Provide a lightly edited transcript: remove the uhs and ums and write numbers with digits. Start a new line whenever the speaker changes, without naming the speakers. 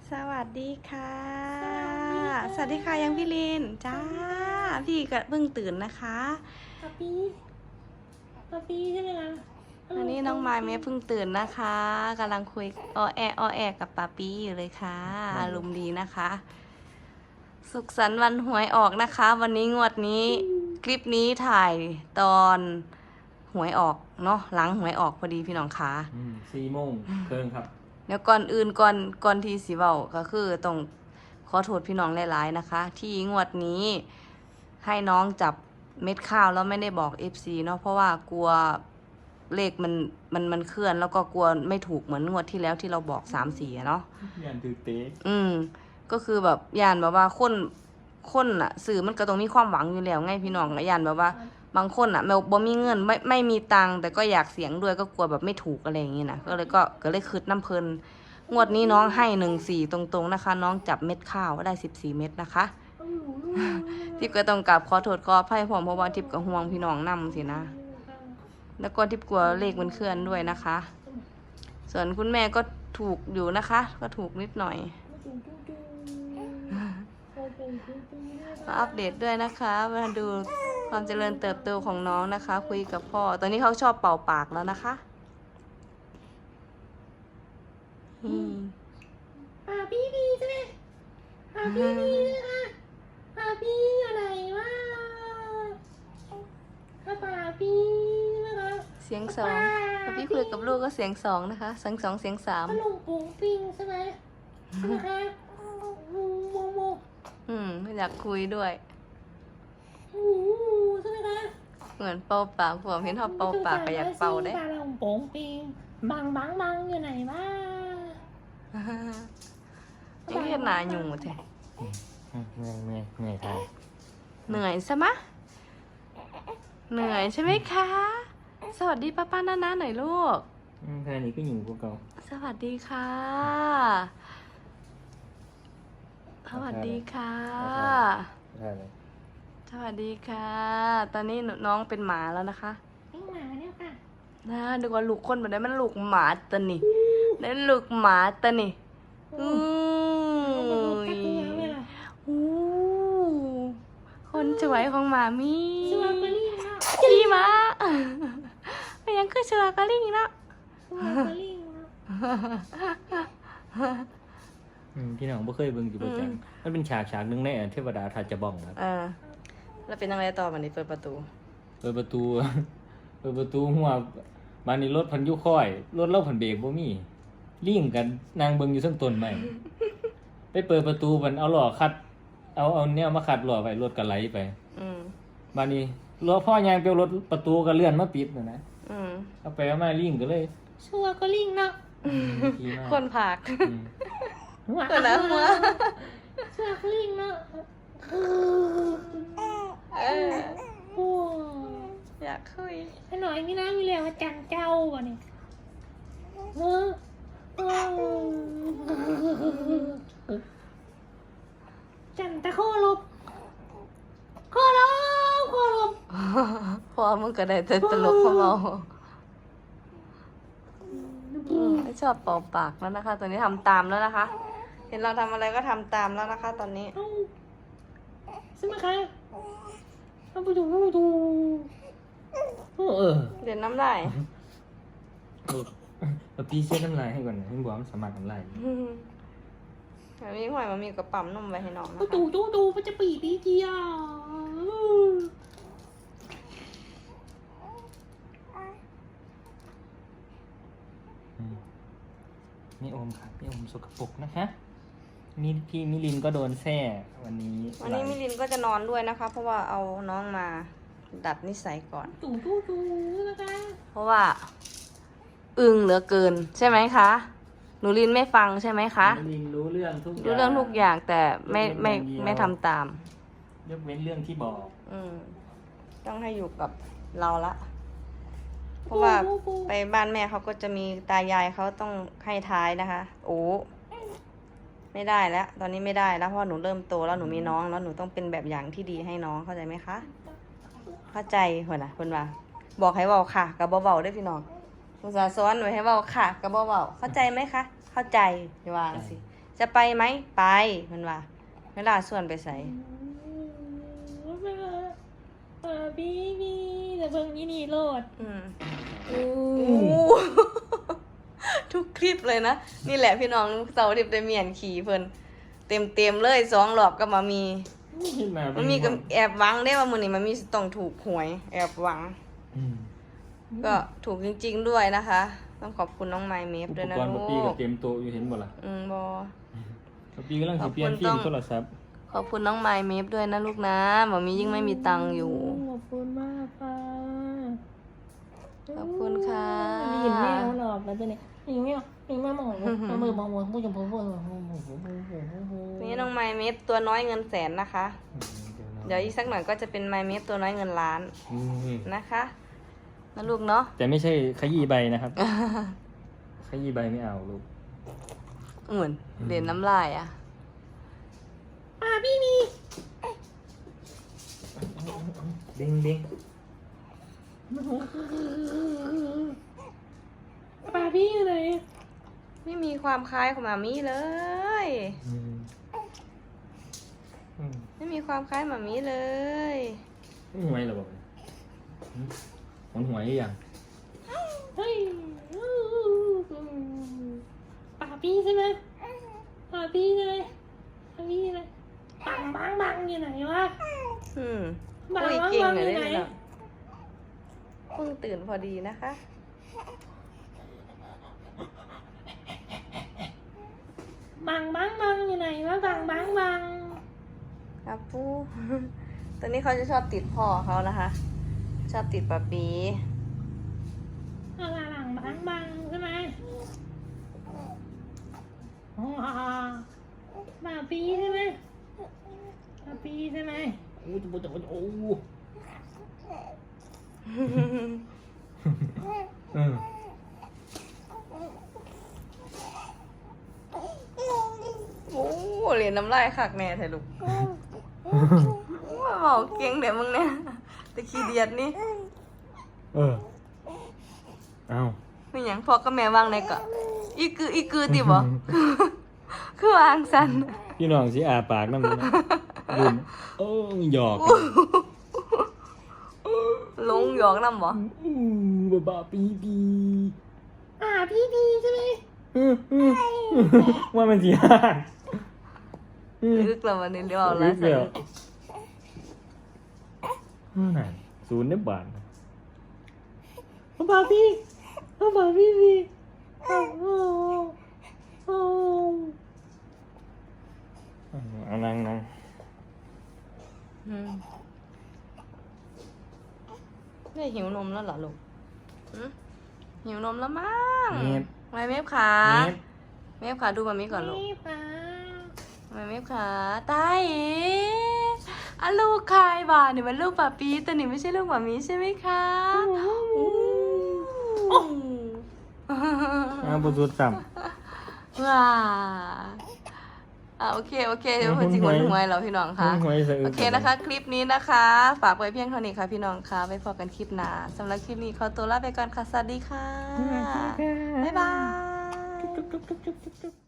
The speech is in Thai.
สวัสดีค่ะสวัสดีค่ะยังพี่ลินจ้าพี่ก็เพิ่งตื่นนะคะ
ป๊าปี้ใช่ไหมล่ะ
วันนี้น้องไม้เมย์เพิ่งตื่นนะคะกำลังคุยอ้อแอกับป๊าปี้อยู่เลยค่ะอารมณ์ดีนะคะ สุขสันต์วันหวยออกนะคะ วันนี้งวดนี้คลิปนี้ถ่ายตอนหวยออกเนาะหลังหวยออกพอดีพี่น้องคะ
4 โมงเคิงครับ
เดี๋ยวก่อนอื่นก่อนที่สิเว้าก็คือต้องขอโทษพี่น้องหลายๆนะคะ ที่งวดนี้ให้น้องจับเม็ดข้าวแล้วไม่ได้บอก FC เนาะเพราะว่ากลัวเลขมันเคลื่อนแล้วก็กลัวไม่ถูกเหมือนงวดที่แล้วที่เราบอก3-4เนาะ
ยันถือเตะ
ก็คือแบบย่านแบบว่าคนอ่ะสื่อมันก็ต้องมีความหวังอยู่แล้วไงพี่น้องย่านแบบว่าบางคนอ่ะบ่มีเงินไม่มีตังค์แต่ก็อยากเสี่ยงด้วยก็กลัวแบบไม่ถูกอะไรอย่างงี้นะก็เลยคืดน้ำเพลินงวดนี้น้องให้14ตรงๆนะคะ น้องจับเม็ดข้าวได้14 เม็ดนะคะทิพย์ก็ต้องกราบขอโทษขออภัยพร้อมเพราะว่าทิพย์ก็ห่วงพี่น้องนำสินะแล้วก็ทิพย์กลัวเลขมันเคลื่อนด้วยนะคะ ส่วนคุณแม่ก็ถูกอยู่นะคะ ก็ถูกนิดหน่อยมาอัปเดตด้วยนะคะมาดูความเจริญเติบโตของน้องนะคะ คุยกับพ่อตอนนี้เขาชอบเป่าปากแล้วนะคะ
ป๊าปี้ดีใช่ไหมป๊าปี้ดีนะคะป๊าปี้อะไรวะป๊าปี้นะคะ
เสียงสองพอพี่คุยกับลูกก็เสียงสองนะคะเสียงสองเสียงสาม
ขนมปุ้งปิ้งใช่ไหมนะคะโม
ไม่อยากคุยด้วย
ใช่ไหมคะ
เหมือนเป่าปากผมเห็นเขาเป่าปากก็อยากเป่าได้
ขนมปุ้งปิ้งบังอยู่ไหนวะ
ยังเห็นหน้าอยู่แท้
เหนื่อยทาย
เหนื่อยใช่ไหมเหนื่อยใช่ไหมคะ สวัสดีป้าๆน้าๆหน่อยลูก
แค่นี้ก็อยู่กูเก่า
สวัสดีค่ะ สวัสดีค่ะ
ใช่เลย
สวัสดีค่ะ ตอนนี้น้องเป็นหมาแล้วนะคะ
ปิ้งหมาเนี่ยค่ะ
นะดูว่าลูกคนแบบนี้มันลูกหมาตะนี่นั่นลูกหมาตะนี่อู้ยอู้คนสวยของหมามี
สวัสดีค่ะ
พี่มาเป็นยังคือเชือกระลิ่งเนาะ
สวัสดีค่ะ
พี่น้องบ่เคยเบิ่งอยู่ประจังมันเป็นฉากหนึงในเทวดาทัจจะบ้องครับ
แล้วเป็นยังไงต่อวันนี้เปิดประตู
เปิดประตู หัวมานี่รถพันยุค่อยรถเล่าพันเบรกบ่มีลิ่งกันนางเบิ่งอยู่ซึ่งต้นไม้ไปเปิดประตูมันเอาล้อคัดเอาแนวมาคัดล้อไว้รถก็ไหลไปมานี่ล้อพ่อยางเปียวรถประตูก็เลื่อนมาปิดนะเอาไปเอามาลิ่งก็เลย
สวัสดีเนาะ
ดีมาก
คนผาก
หัว
คนละหัว
สวัสดีเนาะโอ้
อยากคุย
ให้หน่อยนี่นะมีเรียกว่าจันเจ้าบ่เนี่ยจันตะโคลบโคลบ
พอมึงก็ได้แต่ตลกของเราไม่ชอบเป่าปากแล้วนะคะ ตอนนี้ทำตามแล้วนะคะ เห็นเราทำอะไรก็ทำตามแล้วนะคะ ตอนนี้
ใช่ไหมคะเอาไปดู
เรียนน้ำได้
เอาพี่เช็ดน้ำลายให้ก่อนนะให้บอกมันสามารถน้ำลาย
แบบนี้หอยมันมีกระป๋มนมไว้ให้น้องนะ
เอา
คะ
ดูมันจะปีดีเจียว
นี่โอมครับนี่โอมสกปรกนะคะนี่พี่มิลินก็โดนแซ่วันนี้
วันนี้มิลินก็จะนอนด้วยนะคะ เพราะว่าเอาน้องมาดัดนิสัยก่อน
ดูนะคะ
เพราะว่า อึ้งเหลือเกิน ใช่ไหมคะหนูลินไม่ฟังใช่ไหมคะ
มิลินรู้เรื่องทุกอย่าง
รู้เรื่องทุกอย่างแต่ไม่ทำตาม
ยกเว้นเรื่องที่บอก
ต้องให้อยู่กับเราละ เพราะว่าไปบ้านแม่เขาก็จะมีตายายเขาต้องให้ท้ายนะคะ โอ้ไม่ได้แล้ว ตอนนี้ไม่ได้แล้วเพราะหนูเริ่มโตแล้วหนูมีน้องแล้วหนูต้องเป็นแบบอย่างที่ดีให้น้องเข้าใจไหมคะ เข้าใจหัวนะคุณว่าบอกให้เบาค่ะกับเบาๆได้พี่น้องภาษาซ้อนหนูให้เบาค่ะกับเบาๆเข้าใจไหมคะ เข้าใจอย่าว่าสิจะไปไหมไปมันว่าเวลาส่วนไปใส่
บีบีแต่เบิ่งนี่นี่โลด
ทุกคลิปเลยนะ นี่แหละพี่น้องเสาร์อาทิตย์ได้เมียนขี่เพิ่นเต็มเลย2 รอบก็มามี มันมีกับแอบหวังได้ว่ามื้อนี้มันมีต้องถูกหวย แอบหวัง ก็ถูกจริงๆด้วยนะคะ ต้องขอบคุณน้องไมเมฟ
อุ
ด้วย
ป
นะ
กรณ์
ลู
ปะปี้กับ
ก
เตรียมโตะอยู่เห็นบ่ล่ะ
บอ
ปะปี้กำลังสิเปลี่ยนฟิล์มโทรศัพท์
ขอบคุณน้องไมเมฟด้วยนะลูกนะหมอมียิ่งไม่มีตังค์อยู่
ขอบคุณมากค่ะ
ขอบคุณค่ะ
ได้ยินแมวหลอบแล้วตัวนี้ยิงแมวยิงแมวมองมามือมองผู้ชมผู้
นี่น้องไมเมฟตัวน้อยเงินแสนนะคะ เดี๋ยวอีกสักหน่อยก็จะเป็นไมเมฟตัวน้อยเงินล้านนะคะนะลูกเนาะ
แต่ไม่ใช่ขยี้ใบนะครับ ขยี้ใบไม่เอาลูก
เหมือนเด่นน้ำลายอ่ะ
พี่มี
เด้งเด้ง
พี่อยู่ไหน
ไม่มีความคล้ายของหมามีเลย ไม่มีความคล้ายหมามีเลย
หวยเหรอบอกมันหวยหรือยัง
เฮ้ยพี่ใช่ไหมพี่ใช่ไหมพี่ใช่ไหมบังอยู่ไหนวะ
คุยเก่งเลยได้ไหมเพิ่งตื่นพอดีนะคะ
บังอยู่ไหนวะบัง
ครับปู ตอนนี้เขาจะชอบติดพ่อเขานะคะ ชอบติดปะปี
หลังบังใช่ไหมพี่ใช่ไหมพี่ใช่ไหม
โอ้จะจะโอ้
โอ้เหรียญน้ำลายคักแน่ไทยลูกว่าบอกเก่งเดี๋ยวมึงเนี่ยแต่ขี้เดียดนี่
เอา
ไม่หยังพอก็แม่วางในเกาะอีกือติบ่ คือวางสัน
พี่น้องสิอาปากน้ำมันลืมหยอก
ลงหยอกน้ำบ่
บ้าปีปี
พี่ใช่ไหม
ว่ามันสิฮะ
ลึกแล้ววันนี้เรียกว่าอะไรสัน
นั่น0 บาท
พี่
เอานั่ง
ไม่หิวนมแล้วเหรอลูกหิวนมแล้วมั้ง
เน็บ
ไม่เมฟขา
เน็บ
เมฟขาดูมามีก่อนลูก ไม่เมฟขาตาเอ๋อะลูกใครบ้าเนี่ยมันลูกปะปีแต่นี่ไม่ใช่ลูกหมามีใช่ไหมคะ
ประตูต่ำ
ว้าโอเคเดี๋ยวคนจริงคนหวยเราพี่น้องค่ะ โอเคนะคะ คลิปนี้นะคะ ฝากไว้เพียงเท่านี้ค่ะพี่น้องค่ะไว้พบกันคลิปหน้าสำหรับคลิปนี้ขอตัวลาไปก่อนค่ะ สวัสดีค่ะ บ๊ายบาย